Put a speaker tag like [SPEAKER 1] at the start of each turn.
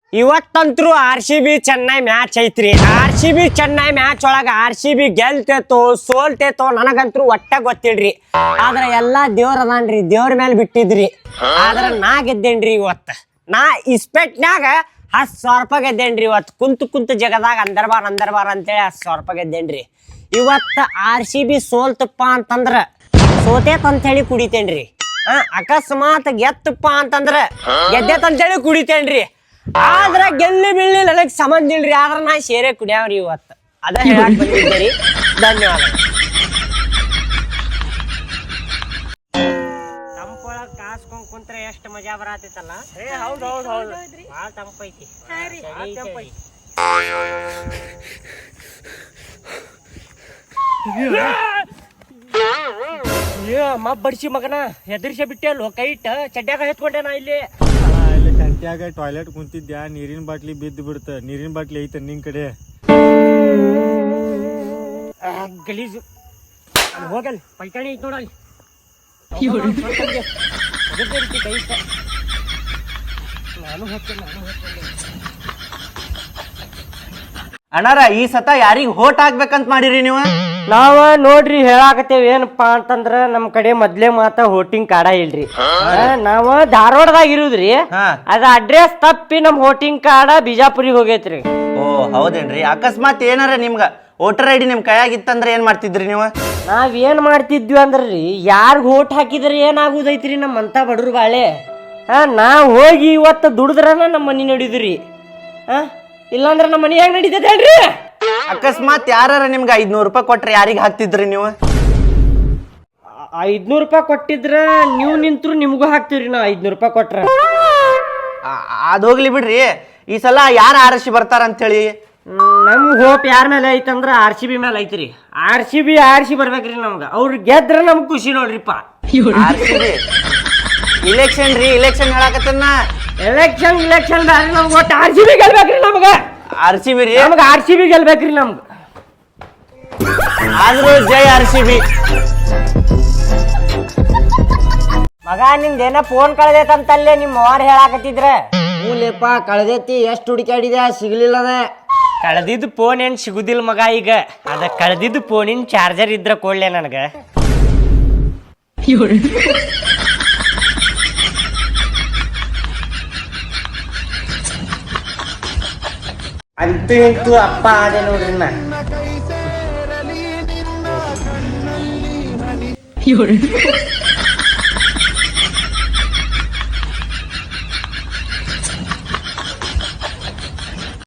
[SPEAKER 1] ಇವತ್ತಂತ್ರು RCB Chennai match ಐತ್ರಿ. RCB Chennai match ಒಳಗ RCB ಗೆಲ್ತೇತೋ ಸೋಲ್ತೇತೋ ನನಗಂತ್ರು ಒಟ್ಟ ಗೊತ್ತಿಲ್ರಿ. ಆದ್ರ ಎಲ್ಲಾ ದೇವ್ರ ಅದಾನ್ರಿ, ದೇವ್ರ ಮೇಲೆ ಬಿಟ್ಟಿದ್ರಿ. ಆದ್ರ ನಾ ಗೆದ್ದೇನ್ರಿ ಇವತ್ತ. ನಾ ಇಸ್ಪೆಟ್ನ್ಯಾಗ 10,000 ರೂಪಾಯಿ ಗೆದ್ದೇನ್ರಿ ಇವತ್ತು. ಕುಂತ ಜಗದಾಗ ಅಂದರ್ಬಾರ್ ಅಂತೇಳಿ 10,000 ರೂಪಾಯಿ ಗೆದ್ದೇನ್ರಿ. ಇವತ್ತ RCB ಸೋಲ್ತಪ್ಪ ಅಂತಂದ್ರ ಸೋತೇತಂತೇಳಿ ಕುಡಿತೇನ್ರಿ. ಅಕಸ್ಮಾತ್ ಗೆತ್ತಪ್ಪ ಅಂತಂದ್ರ ಗೆದ್ದೇತಂತೇಳಿ ಕುಡಿತೇನ್ರಿ. ಆದ್ರ ಗೆಲ್ಲಿ ಬೀಳ್ಲಿ ನನಗ್ ಸಂಬಂಧ ಇಲ್ರಿ. ಆದ್ರ ನಾ ಸೇರೆ ಕುಡಿಯಾವ್ರಿ ಇವತ್ತು. ಅದ ಹೇಳಕ್ ಬಂದಿದ್ದೀರಿ. ಧನ್ಯವಾದ. ತಂಪೊಳಗ್ ಕಾಸ್ಕೊಂಡ್ ಕುಂತ್ರ ಎಷ್ಟ್ ಮಜಾ ಬರತೈತಲ್ಲ. ಹೌದು ಬಾಳ ತಂಪೈತಿ. ಬಡ್ಸಿ ಮಗನ ಹೆದರ್ಸಿ ಬಿಟ್ಟೆ ಅಲ್ವ ಕೈ ಇಟ್ಟ ಚಡ್ಡ್ಯಾಗ ಎತ್ಕೊಂಡೆ ನಾ ಇಲ್ಲಿ
[SPEAKER 2] ಗಂಟ್ಯಾಗ ಟಾಯ್ಲೆಟ್ ಕುಂತಿದ್ಯಾ, ನೀರಿನ ಬಾಟ್ಲಿ ಬಿದ್ದು ಬಿಡ್ತ. ನೀರಿನ ಬಾಟ್ಲಿ ಐತ ನಿನ್ ಕಡೆ
[SPEAKER 1] ಗಲೀಜು ಹೋಗಲ್ ಪೈಕಾಣಿ ಐತ್ ನೋಡಲ್ಲಿ.
[SPEAKER 3] ಅಣ್ಣಾರ ಈ ಸತ ಯಾರಿಗ್ ಹೋಟ್ ಹಾಕ್ಬೇಕಂತ ಮಾಡಿರಿ ನೀವು?
[SPEAKER 1] ನಾವ ನೋಡ್ರಿ ಹೇಳಾಕತ್ತೇವ್ ಏನಪ್ಪಾ ಅಂತಂದ್ರ ನಮ್ ಕಡೆ ಮೊದ್ಲೇ ಹೋಟಿಂಗ್ ಕಾರ್ಡ ಇಲ್ರಿ. ನಾವ ಧಾರವಾಡದಾಗ ಇರುದ್ರಿ. ಅದ ಅಡ್ರೆಸ್ ತಪ್ಪಿ ನಮ್ ಹೋಟಿಂಗ್ ಕಾರ್ಡ ಬಿಜಾಪುರಿಗೆ ಹೋಗೈತ್ರಿ.
[SPEAKER 3] ಓ ಹೌದೇನ್ರಿ? ಅಕಸ್ಮಾತ್ ಏನಾರ ನಿಮ್ಗ ವೋಟರ್ ಐಡಿ ನಿಮ್ ಕೈಯಾಗಿತ್ತಂದ್ರ ಏನ್ ಮಾಡ್ತಿದ್ರಿ ನೀವು?
[SPEAKER 1] ನಾವ್ ಏನ್ ಮಾಡ್ತಿದ್ವಿ ಅಂದ್ರಿ, ಯಾರ್ಗ್ ಓಟ್ ಹಾಕಿದ್ರ ಏನಾಗುದೈತ್ರಿ ನಮ್ಮಂತ ಬಡ್ರು ಬಾಳೆ. ನಾವ್ ಹೋಗಿ ಇವತ್ತು ದುಡಿದ್ರನ ನಮ್ಮ ಮನಿ ನಡಿದ್ರಿ. ಇಲ್ಲಾಂದ್ರ ನಮ್ಮ ಮನಿ ಹೆಂಗ್ ನಡೀತೈತೆ ಹೇಳ್ರಿ?
[SPEAKER 3] ಅಕಸ್ಮಾತ್ ಯಾರ ನಿಮ್ಗೆ 500 ರೂಪಾಯಿ ಕೊಟ್ರೆ ಯಾರಿಗ್ ಹಾಕ್ತಿದ್ರಿ ನೀವು?
[SPEAKER 1] 500 ರೂಪಾಯಿ ಕೊಟ್ಟಿದ್ರ ನೀವು ನಿಂತ್ರು ನಿಮ್ಗೂ ಹಾಕ್ತಿವ್ರಿ. ನಾ 500 ರೂಪಾಯಿ ಕೊಟ್ರ
[SPEAKER 3] ಅದ್ ಹೋಗ್ಲಿ ಬಿಡ್ರಿ. ಈ ಸಲ ಯಾರ ಆರ್ಸಿ ಬರ್ತಾರ ಅಂತ ಹೇಳಿ
[SPEAKER 1] ನಮ್ ಹೋಪ್ ಯಾರ ಮೇಲೆ ಐತಂದ್ರ RCB ಮೇಲೆ ಐತ್ರಿ. RCB ಬರ್ಬೇಕ್ರಿ ನಮ್ಗ. ಅವ್ರು ಗೆದ್ರ ನಮ್ಗ್ ಖುಷಿ ನೋಡ್ರಿಪ್ಪ.
[SPEAKER 3] ಇಲೆಕ್ಷನ್ ರೀ, ಇಲೆಕ್ಷನ್ ಹೇಳಾಕತ್ತನ್ನ.
[SPEAKER 1] ಎಲೆಕ್ಷನ್ ಬ್ಯಾರಿ, ನಮ್ಗೆ ಒಟ್ಟು RCB ಗೆಲ್ಬೇಕ್ರಿ. ನಮ್ಗ
[SPEAKER 3] RCB ರೀ,
[SPEAKER 1] ನಮ್ಗೆ RCB ಗೆಲ್ಬೇಕ್ರಿ. ನಮ್ಗ
[SPEAKER 3] ಆದ್ರೂ ಜೈ RCB.
[SPEAKER 1] ಮಗ ನಿಂದೇನ ಫೋನ್ ಕಳ್ದೈತಂತಲ್ಲೇ ನಿಮ್ಮ ಅವ್ರು ಹೇಳಾಕತ್ತಿದ್ರ. ಮೂಲೆಪ್ಪ ಕಳ್ದೈತಿ, ಎಷ್ಟು ಹುಡುಕಾಡಿದೆ ಸಿಗ್ಲಿಲ್ಲದ. ಕಳ್ದಿದ್ದು ಫೋನ್ ಏನ್ ಸಿಗುದಿಲ್ಲ ಮಗ. ಈಗ ಅದ ಕಳ್ದಿದ್ದು ಫೋನಿನ ಚಾರ್ಜರ್ ಇದ್ರ ಕೊಡ್ಲೆ ನನಗ. ಅಂತೂ ಇಂತೂ ಅಪ್ಪ ಆದೆ ನೋಡ್ರಿ ನಾ.